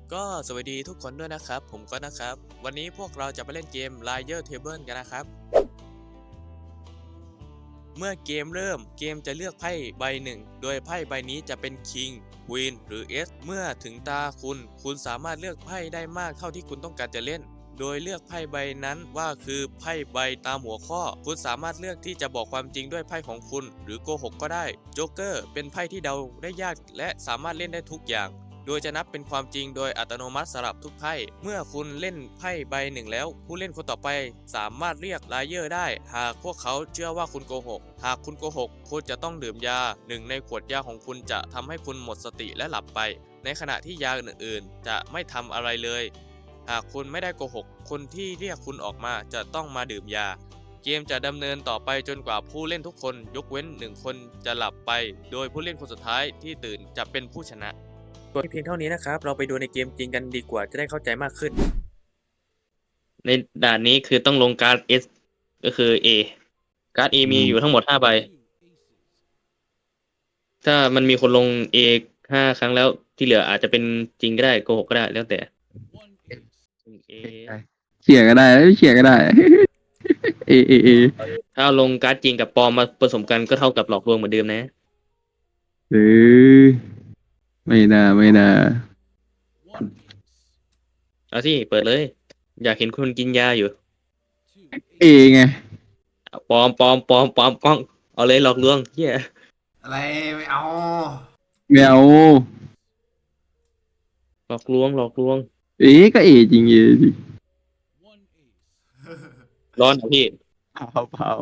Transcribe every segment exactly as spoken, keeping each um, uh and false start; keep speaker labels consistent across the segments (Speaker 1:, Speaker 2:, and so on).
Speaker 1: ก็สวัสดีทุกคนด้วยนะครับผมก็นะครับวันนี้พวกเราจะไปเล่นเกม Liar Table กันนะครับเมื่อเกมเริ่มเกมจะเลือกไพ่ใบหนึ่งโดยไพ่ใบนี้จะเป็น King Queen หรือ S เมื่อถึงตาคุณคุณสามารถเลือกไพ่ได้มากเท่าที่คุณต้องการจะเล่นโดยเลือกไพ่ใบนั้นว่าคือไพ่ใบตามหัวข้อคุณสามารถเลือกที่จะบอกความจริงด้วยไพ่ของคุณหรือโกหกก็ได้โจ๊กเกอร์เป็นไพ่ที่เดาได้ยากและสามารถเล่นได้ทุกอย่างโดยจะนับเป็นความจริงโดยอัตโนมัติสำหรับทุกไพ่เมื่อคุณเล่นไพ่ใบหนึ่งแล้วผู้เล่นคนต่อไปสามารถเรียกไลเยอร์ได้หากพวกเขาเชื่อว่าคุณโกหกหากคุณโกหกคุณจะต้องดื่มยาหนึ่งในขวดยาของคุณจะทำให้คุณหมดสติและหลับไปในขณะที่ยาอื่นๆจะไม่ทำอะไรเลยหากคุณไม่ได้โกหกคนที่เรียกคุณออกมาจะต้องมาดื่มยาเกมจะดำเนินต่อไปจนกว่าผู้เล่นทุกคนยกเว้นหนึ่งคนจะหลับไปโดยผู้เล่นคนสุดท้ายที่ตื่นจะเป็นผู้ชนะเพียงเท่านี้นะครับเราไปดูในเกมจริงกันดีกว่าจะได้เข้าใจมากขึ้น
Speaker 2: ในด่านนี้คือต้องลงการ์ด S ก็คือ A การ์ด A มีอยู่ทั้งหมดห้าใบถ้ามันมีคนลง A ห้าครั้งแล้วที่เหลืออาจจะเป็นจริงก็ได้โกหกก็ได้แล้วแต่ A
Speaker 3: เฉียก็ได้ไม่เฉียก็ได้ เอเอเอ
Speaker 2: ถ้าเอาลงการ์ดจริงกับปลอมมาผสมกันก็เท่ากับหลอกลวงเหมือนเดิมนะ
Speaker 3: หรือไม่น่าไม่น่า
Speaker 2: เอาสิเปิดเลยอยากเห็นคนกินยาอยู่
Speaker 3: เอไง
Speaker 2: ปลอมปลอมปลอมปลอมกล้องเอาเลยหลอกลวงเฮีย
Speaker 4: อะไรไม่เอา
Speaker 3: แมว
Speaker 2: หลอกลวงหลอกลวง
Speaker 3: เอก็เอจริงเอจริง
Speaker 2: ร้อนเหรอพี่
Speaker 3: เผาเผา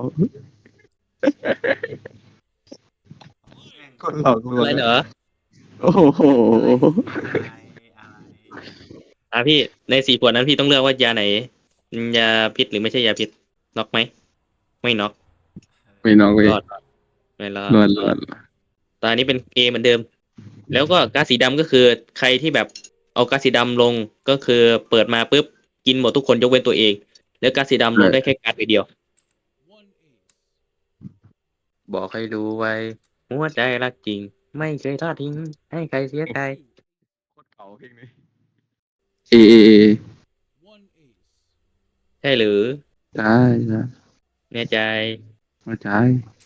Speaker 3: คนหลอกลว
Speaker 2: อะ
Speaker 3: ง
Speaker 2: ไรเหรอ
Speaker 3: โอ้โห
Speaker 4: อะไรอะไร
Speaker 2: อ่ะพี่ในสี่ขวดนั้นพี่ต้องเลือกว่ายาไหนยาพิษหรือไม่ใช่ยาพิษน็อกไหมไม่น็อก
Speaker 3: ไม่น้องเว้ย
Speaker 2: รอดไม่รอด
Speaker 3: รอดรอด
Speaker 2: ตอนนี้เป็น A เหมือนเดิม แล้วก็ก๊าซสีดำก็คือใครที่แบบเอาก๊าซสีดำลงก็คือเปิดมาปุ๊บกินหมดทุกคนยกเว้นตัวเอง แล้วก๊าซสีดำลงได้แค่ก๊าซใบเดียว บอกให้รู้ไว้หัวใจรักจริง ไม่เคยทอดทิ้งให้ใครเสียใจ
Speaker 3: โคตรเผาเพลงนี้เอเอเอ
Speaker 2: ใช่หรือ
Speaker 3: ใช่ใช่
Speaker 2: แน่ใจ
Speaker 3: มาใช่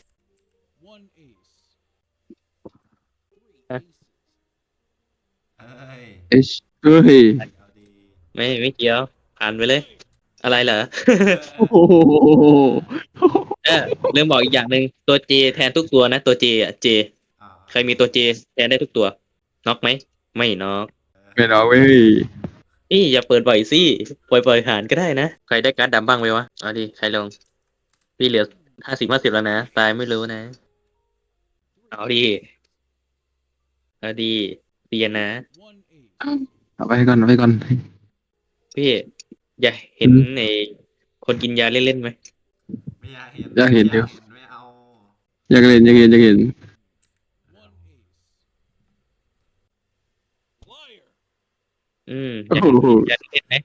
Speaker 4: เอ้ย
Speaker 3: เอชเฮ้ย
Speaker 4: เอาดี
Speaker 2: ไม่ไม่เกี่ยวผ่านไปเลย อะไรเหรอ
Speaker 3: โอ้โห
Speaker 2: เออลืมบอกอีกอย่างหนึ่งตัว J แทนทุกตัวนะตัว J อ่ะ J
Speaker 4: อ่า
Speaker 2: ใครมีตัว J แทนได้ทุกตัวน็อกไหมไม่น็อก
Speaker 3: ไม่น้องเว้ย
Speaker 2: นี่อย่าเปิดบ่อยสิปล่อยปล่อยผ่านก็ได้นะใครได้การ์ดดำบ้างไหมวะเอาดิใครลงพี่เหลือห้าสิบห้าสิบแล้วนะตายไม่รู้นะเอาดีเอาดีเรียนนะ
Speaker 3: เอาไปก่อนเอาไปก่อน
Speaker 2: พี่อยากเห็น
Speaker 3: อืม
Speaker 2: ในคนกินยาเล่นๆไหม
Speaker 4: ไม่อยากเห็น
Speaker 3: อยากเห็นอยู่
Speaker 4: ไม่เอา
Speaker 3: อยากเห็นอยากเห็นอยากเห็น
Speaker 2: อืมอ
Speaker 3: โอ้
Speaker 2: ยาก
Speaker 3: โห
Speaker 2: อยากเล่นไหม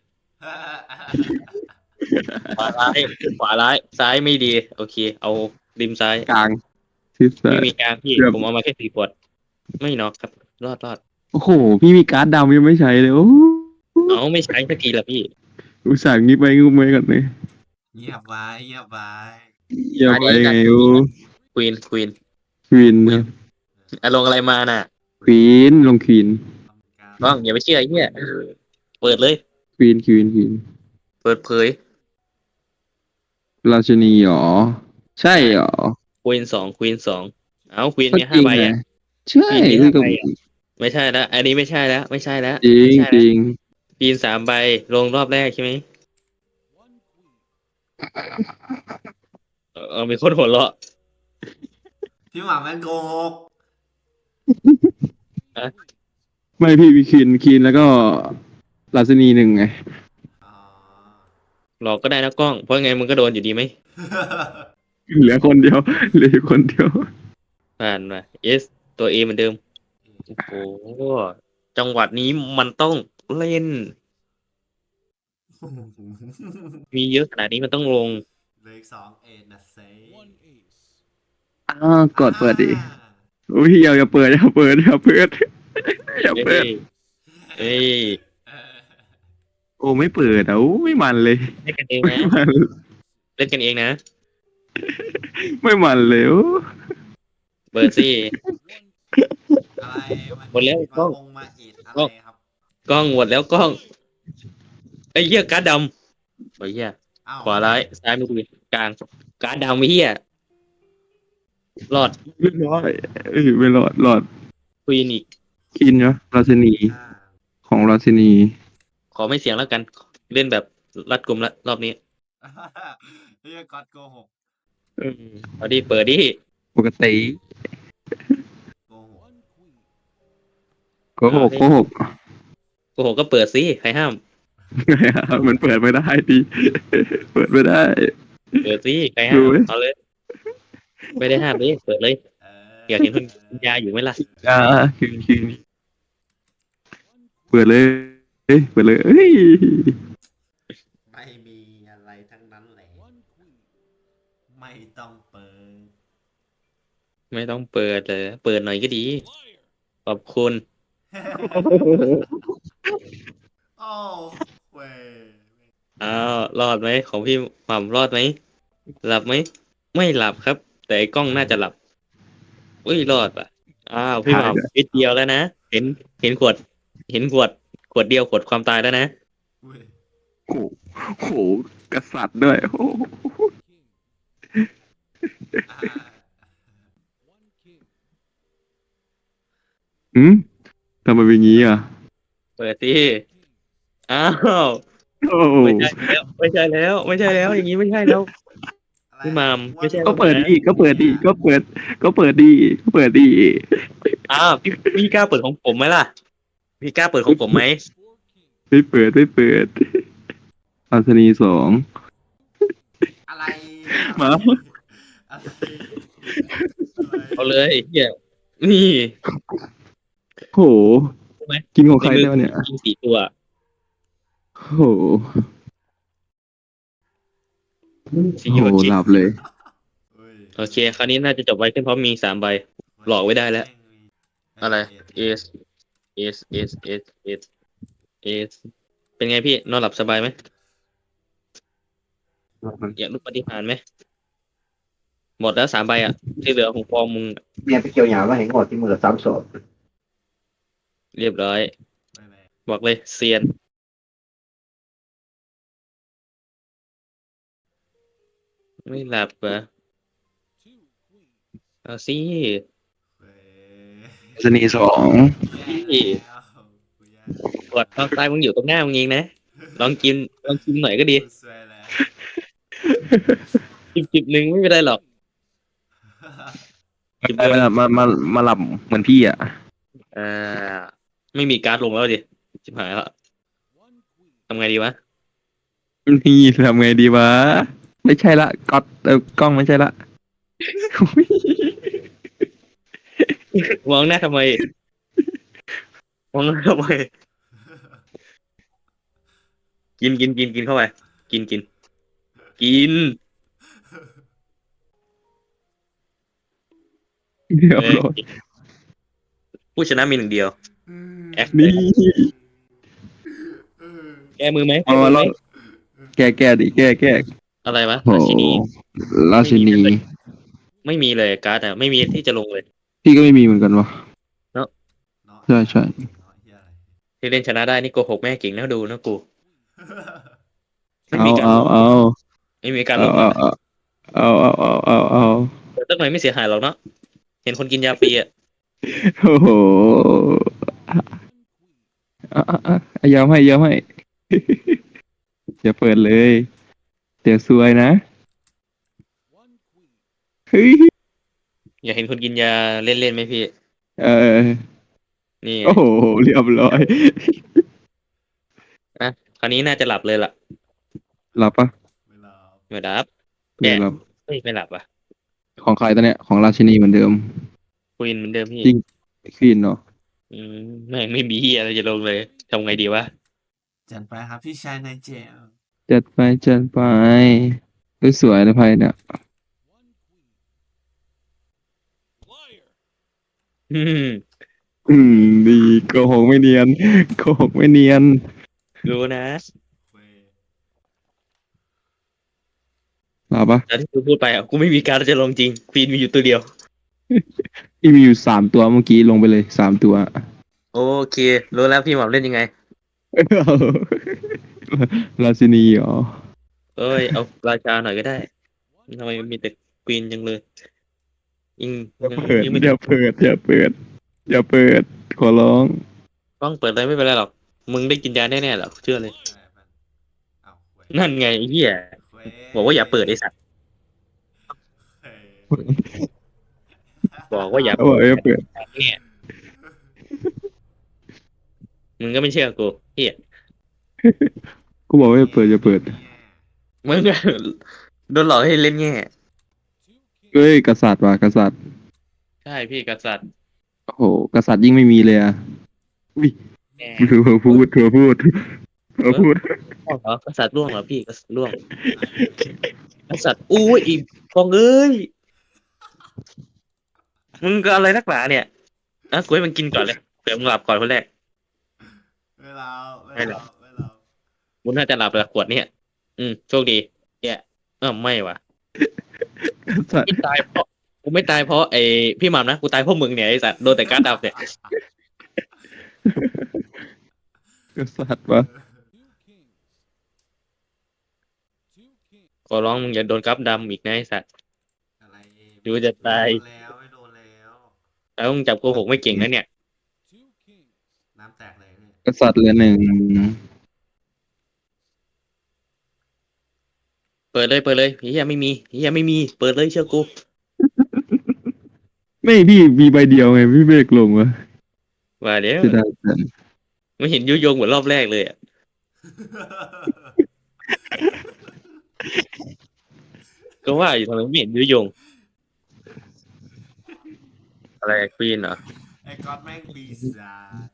Speaker 2: ขวาร้ายขวาร้ายซ้ายไม่ดี โอเค เอาริมซ้าย
Speaker 3: กลางทิศซ้า
Speaker 2: ไม่
Speaker 3: ย
Speaker 2: มีกลางพี่
Speaker 3: ครับ
Speaker 2: ผมเอามาแค่สี่ขวดไม่น็อกครับ รอดรอด
Speaker 3: โอ้โห พี่มีการ์ดดำยังไม่ใช้เลยโอ้
Speaker 2: เอาไม่ใช้สักทีละพี่
Speaker 3: อุตส่าห์งิบไปงุบไปก่อนเลย
Speaker 4: เงียบไว้เงียบไว้
Speaker 3: อย่าไปไงโอ้
Speaker 2: ควีนควีน
Speaker 3: ควีนครับ
Speaker 2: อะลงอะไรมาน่ะ
Speaker 3: ควีนลงควีน
Speaker 4: ทำการ
Speaker 2: บ้องอย่าไปเชื่อไอ้เหี้ยเปิดเลย
Speaker 3: ควีนควีนควีน
Speaker 2: เปิดเผย
Speaker 3: ราชินีหรอ ใช่หรอ
Speaker 2: ควีนสองควีนสองเอาควีน
Speaker 3: ก็
Speaker 2: มี
Speaker 3: จ
Speaker 2: ห้า
Speaker 3: ริง
Speaker 2: ใบ
Speaker 3: ไง
Speaker 2: อ่ะ
Speaker 3: ใช่
Speaker 2: ควีนมี
Speaker 3: พี่
Speaker 2: ห้า
Speaker 3: ก็
Speaker 2: ใบอ่ะไม่ใช่แล้วอันนี้ไม่ใช่แล้วไม่ใช่แล้ว
Speaker 3: จริง
Speaker 2: ไม่ใช่
Speaker 3: จ
Speaker 2: แล้ว
Speaker 3: ริง
Speaker 2: ควีนสามใบลงรอบแรกใช่ไหมเออเออมีคนหัวเราะ
Speaker 4: พี่หมาแม่งโกหก
Speaker 3: ไม่พี่มีควีนควีนแล้วก็ราชินีหนึ่งไง
Speaker 4: อ๋อ
Speaker 2: หลอกก็ได้นะกล้องเพราะไงมึงก็โดนอยู่ดีไหม
Speaker 3: เหลือคนเดียวเหลือคนเดียว
Speaker 2: ผ่านมา S ตัว A เหมือนเดิมโอ้โหจังหวัดนี้มันต้องเล่น มีเยอะขนาดนี้มันต้องลง
Speaker 4: เหลยสองเอ็ดนะเซ่
Speaker 3: อ้าวกดเปิดดิอุ้ยอย่าอย่าเปิดอย่าเปิดอย่าเปิดอย่า
Speaker 2: เฮ้
Speaker 3: เปิด
Speaker 2: ยเฮ้ย
Speaker 3: โอ้ไม่เปิดอ่ะโอ้ไม่มันเลย
Speaker 2: เล่นกันเอง
Speaker 3: ไม่
Speaker 2: นะ
Speaker 3: มัน
Speaker 2: เล่นกันเองนะ
Speaker 3: ไม่มันเลยโอ้
Speaker 2: เปิดสิ
Speaker 4: อะไรมัน
Speaker 2: หมดแล้วกล้
Speaker 4: มา
Speaker 2: อง
Speaker 4: องมาเอ็ดอะ
Speaker 2: กล้
Speaker 4: ไร
Speaker 2: อง
Speaker 4: ครับ
Speaker 2: กล้องหมดแล้วกล้องไอ้เหี้ยการ์ดดำไอ้เหี้ย
Speaker 4: อ้าว
Speaker 2: ขวาร้ายซ้ายมือกลางการ์ดดำไอ้เหี้ยรอด
Speaker 3: เรียบร้อยเออไม่รอดรอด
Speaker 2: ควีนอีก
Speaker 3: กินเนาะราชินี
Speaker 4: อ่า
Speaker 3: ของราชินี
Speaker 2: ขอไม่เสียงแล้วกัน เล่นแบบรัดกุมละรอบนี้
Speaker 4: เรียกก๊อตโกหก
Speaker 3: เออ
Speaker 2: เอาดิเปิดดิ
Speaker 3: ปกติ
Speaker 4: โกหก
Speaker 3: โกหกโกหก
Speaker 2: โอ้โหก็เปิดสิใครห้าม
Speaker 3: มันเปิดไม่ได้ดิเปิดไม่ได้
Speaker 2: เปิดสิใครห้าม
Speaker 3: ดูดิ
Speaker 2: เอาเลย ไม่ได้ห้ามดิเปิดเลย
Speaker 4: เออ
Speaker 2: อยากเห็นคุณยาอยู่ไหมล่ะ
Speaker 3: อ่าคืนคืนเปิดเลยเอ้ยเปิดเลยเอ้ย
Speaker 4: ไม่มีอะไรทั้งนั้นแหละไม่ต้องเปิด
Speaker 2: ไม่ต้องเปิดเลยเปิดหน่อยก็ดี ขอบคุณ
Speaker 4: โอ้เว้ย
Speaker 2: อ้าวรอดไหมของพี่หม่ำรอดไหมหลับไหมไม่หลับครับ แต่ไอ้กล้องน่าจะหลับอุ้ยรอดป่ะอ้าวพี่หม่ำนิดเดียวแล้วนะเห็นเห็นขวด เห็นขวด ขวดเดียวขวดความตายแล้วนะ
Speaker 4: เว้ย
Speaker 3: โอ้โหกษัตริย์ด้วยโอ้โห
Speaker 4: อ่า
Speaker 3: อืมทำไมเป็นงี้อ่ะ
Speaker 2: เปิดสิอ้าว
Speaker 3: โอ้โห
Speaker 2: ไม่ใช่แล้ว ไม่ใช่แล้ว ไม่ใช่แล้ว อย่างนี้ไม่ใช่แล้ว
Speaker 4: อะไร
Speaker 2: พี่หม่ำไม่ใช่
Speaker 3: ก็เปิดดีก็เปิดดีก็เปิด ก็เปิดดีก็เปิดดี
Speaker 2: อ้าวพี่พี่กล้าเปิดของผมไหมล่ะ พี่กล้าเปิดของผมไหม
Speaker 3: ไม่เปิดไม่เปิดราชินีสอง
Speaker 4: อะไร
Speaker 3: มา
Speaker 4: อะไร
Speaker 2: เอาเลยไอ้เฮียนี่
Speaker 3: โห กินของใครแล้วเนี่ย
Speaker 2: กินสี่ตัว
Speaker 3: โห
Speaker 2: สี่
Speaker 3: โห
Speaker 2: ตัวกิน
Speaker 3: หลับเลย
Speaker 4: เว้ย
Speaker 2: โอเค คราวนี้น่าจะจบไว้ขึ้นเพราะมีสามใบ หลอกไว้ได้แล้ว อะไร S S S S S S เป็นไงพี่ นอนหลับสบายไหม อยากรู้ปฏิหารย์ไหม หมดแล้วสามใบอ่ะ ที่เหลือของฟองมึง
Speaker 5: Nghe cái kiểu nhà nó hành ngọt thì mưa tám sổ.
Speaker 2: เรียบร้อย
Speaker 4: ไม่ไม่
Speaker 2: บอกเลยเซียน ไม่หลับเหรอเอาสิ
Speaker 4: เว้ย
Speaker 3: ราชินีสอง
Speaker 4: แย่แล้วกูแย่
Speaker 2: กดตอนตายมึงอยู่ตรงหน้ามึงเองนะ ลองกิน ลองกินหน่อยก็ดี
Speaker 4: กูสวยแล้ว
Speaker 2: จิบจิบหนึ่งไม่เป็นไรหรอก จิบเดียว
Speaker 3: มามามามาหลับเหมือนพี่อ่ะ
Speaker 2: อ่า ไม่มีการ์ดลงแล้วดิจิบหายแล้วทำไงดีวะ
Speaker 3: นี่ทำไงดีวะ ไม่ใช่ละก๊อตเออกล้องไม่ใช่ละ
Speaker 2: มองหน้าทำไม มองหน้าทำไม กินกินกินกินเข้าไป กินกิน กิน
Speaker 3: เดี๋ยว
Speaker 2: เอ้ยผู้ชนะมีหนึ่งเดียว แอค
Speaker 3: นี่
Speaker 2: แก้มือไหม
Speaker 3: เอา
Speaker 2: แก้มือไหม
Speaker 3: แล้วแก้แก้ดิแก้แก้
Speaker 2: อะไรวะ
Speaker 3: โห
Speaker 2: ราชินี
Speaker 3: ราชินี
Speaker 2: ไม่มีเลยการ์ดอ่ะ ไม่มีที่จะลงเลย
Speaker 3: พี่ก็ไม่มีเหมือนกันวะ
Speaker 4: เนาะ
Speaker 3: ใช่ใช่
Speaker 4: เนาะเหี้ยอะไร
Speaker 2: ที่เล่นชนะได้นี่โกหกแม่เก่งนะดูนะกูไม่
Speaker 3: เอา
Speaker 2: มีการ
Speaker 3: เอา
Speaker 2: ลง
Speaker 3: เอา
Speaker 2: ไม่มีการล
Speaker 3: เอา
Speaker 2: ง
Speaker 3: เอาเอาเอาเอาเอาเอา
Speaker 2: เปิดสักหน่อยไม่เสียหายหรอกเนาะเห็นคนกินยาฟรีอ่ะ
Speaker 3: โอ้โหอ่ะอ่ะอ่ะยอมให้ยอมให้ อย่าเปิดเลย เดี๋ยวซวยนะเฮ้ย
Speaker 2: อยากเห็นคนกินยาเล่นๆไหมพี่
Speaker 3: เออ
Speaker 2: นี่
Speaker 3: โอ้โหเรียบร้อย
Speaker 2: นะคราวนี้น่าจะหลับเลยล่ะ
Speaker 3: หลับปะ
Speaker 4: เวลา
Speaker 2: ไม่หลับ
Speaker 3: ไม่หลับ
Speaker 2: เฮ้ยไม่หลับอ่ะ
Speaker 3: ของใครตอนเนี้ยของราชินีเหมือนเดิม
Speaker 2: คุยเหมือนเดิมพี่
Speaker 3: จริง ควีนเนาะ
Speaker 2: อืมแม่งไม่มีเฮียอะไรจะลงเลยทำไงดีวะ
Speaker 4: จัดไปครับพี่ชายในเจล
Speaker 3: จัดไปจัดไปเฮ้ยสวยนะไพ่เนี่ย
Speaker 2: อืม
Speaker 3: อืมดีโกหกไม่เนียนโกหกไม่เนียน
Speaker 2: รู้นะ
Speaker 3: หรอปะ
Speaker 2: แต่ที่กูพูดไปอ่ะกูไม่มีการดจะลงจริงควีนมีอยู่ตัวเดียว
Speaker 3: พี่มีอยู่สามตัวเมื่อกี้ลงไปเลยสามตัว
Speaker 2: โอเครู้แล้วพี่หม่ำเล่นยังไง
Speaker 3: ราชินีเหรอ
Speaker 2: เอ้ยเอาราชาหน่อยก็ได้ทำไมมันมีแต่ควีนจังเลยยิง
Speaker 3: อย่า
Speaker 2: ยัง
Speaker 3: เปิด
Speaker 2: ยังไม่
Speaker 3: อย่าเปิดอย่าเปิดอย่าเปิดขอร้อง
Speaker 2: ต้องเปิดเลยไม่เป็นไรหรอกมึงได้กินยาแน่ๆหรอกเชื่อเลย
Speaker 4: เอาเว้ย
Speaker 2: นั่นไงไอ้เหี้ย
Speaker 4: เว้ย
Speaker 2: บอกว่าอย่าเปิดไอ้สัตว์
Speaker 4: เฮ้ย
Speaker 2: บอกว่าอย่า
Speaker 3: เขาบอกอย่าเปิด
Speaker 2: เนี่ยมึงก็ไม่เชื่อกูเหี้ย
Speaker 3: กูบอกว่าอย่าเปิดอย่าเปิด
Speaker 2: มึงก็ โดนหลอกให้เล่นแง่
Speaker 3: เฮ้ยกษัตริย์ว่ะกษัตริย์
Speaker 2: ใช่พี่กษัตริย์
Speaker 3: โอ้โหกษัตริย์ยิ่งไม่มีเลยอ่ะอุ้ย
Speaker 2: แง่
Speaker 3: เธอพูดเธอพูดเธอพูด
Speaker 2: ร่วงเหรอกษัตริย์ร่วงเหรอพี่กษัตริย์ร่วงกษัตริย์อุ้ยอีกฟองเอ้ยมึงก็อะไรนักหนาเนี่ยนะกูให้มันกินก่อนเลยเผื่อมึงหลับก่อนคนแรก
Speaker 4: เวลาเว
Speaker 2: ไม่หร
Speaker 4: ลา
Speaker 2: อก
Speaker 4: เวลา
Speaker 2: กูน่าจะหลับแล้วขวดเนี่ยอืมโชคดีเนี่ยเออไม่ว่ะ
Speaker 3: กษัตริย์
Speaker 2: ไม่ตายเพราะกูไม่ตายเพราะไอ้พี่หม่ำนะกูตายเพราะมึงเนี่ยไอ้สัตว์โดนแต่การ์ดดำเนี่ย
Speaker 3: กษัตริย์วะ
Speaker 2: ขอร้องมึงอย่าโดนการ์ดดำอีกนะไอ้สัตว์
Speaker 4: อะไร
Speaker 2: ดูจะตาย
Speaker 4: ไม่โดนแล้วไม่โดนแล้ว
Speaker 2: แล้วมึงจับโกหกไม่เก่งนะเนี่ย
Speaker 4: น้ำแตกเลยเนี่ย
Speaker 3: กษัตริย์เหลือหนึ่ง
Speaker 2: เปิดเลยเปิดเลยเฮียไม่มีเฮียไม่มีเปิดเลยเชื่อกู
Speaker 3: ไม่พี่มีใบเดียวไงพี่เบกลงวะ
Speaker 2: ว่าเดี๋ยว
Speaker 3: จะได้กัน
Speaker 2: ไม่เห็นยุยงเหมือนรอบแรกเลยอะก็ว่าอยู่ทำไมไม่เห็นยุยง อะไรควีนเหรอ
Speaker 4: ไอ้ก๊อตแม่งปีศาจ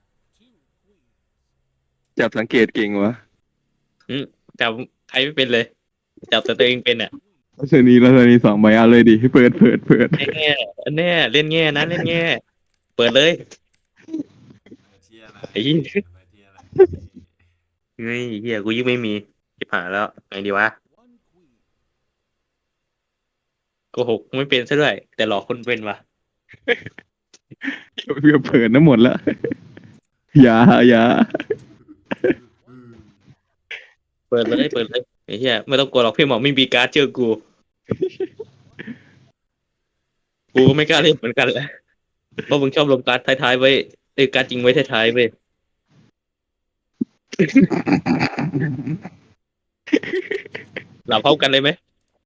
Speaker 3: จับสังเกตเก่งวะ
Speaker 2: จับใครไม่เป็นเลย จับแต่ตัวเองเป็นอ่ะ
Speaker 3: ราชนีราชนีสองใบเอาเลยดิเปิดเปิดเปิด
Speaker 2: แน่แน่เล่นแง่นะเล่นแง่เปิดเลย
Speaker 4: เที่ยอะไร
Speaker 2: ไอ้เหี้ย
Speaker 4: เที่ยอะไร
Speaker 2: เฮ้ยเฮียกูยิ่งไม่มีจิบหายแล้วไงดีวะโกหกไม่เป็นซะด้วย แต่หลอกคนเป็นวะ
Speaker 3: เพื่อเปิดน้ำหมดแล้ว อย่าอย่า
Speaker 4: อืม
Speaker 2: เปิดเลยเปิดเลยไอ้เหี้ยไม่ต้องกลัวหรอกพี่หมอไม่มีการ์ดเชื่อกู กูก็ไม่กล้าเล่นเหมือนกันแหละเพราะมึงชอบลงการ์ดท้ายๆไว้เอ้ยการ์ดจริงไว้ท้ายๆไว้ยหลับพร้อมกันเลยไหม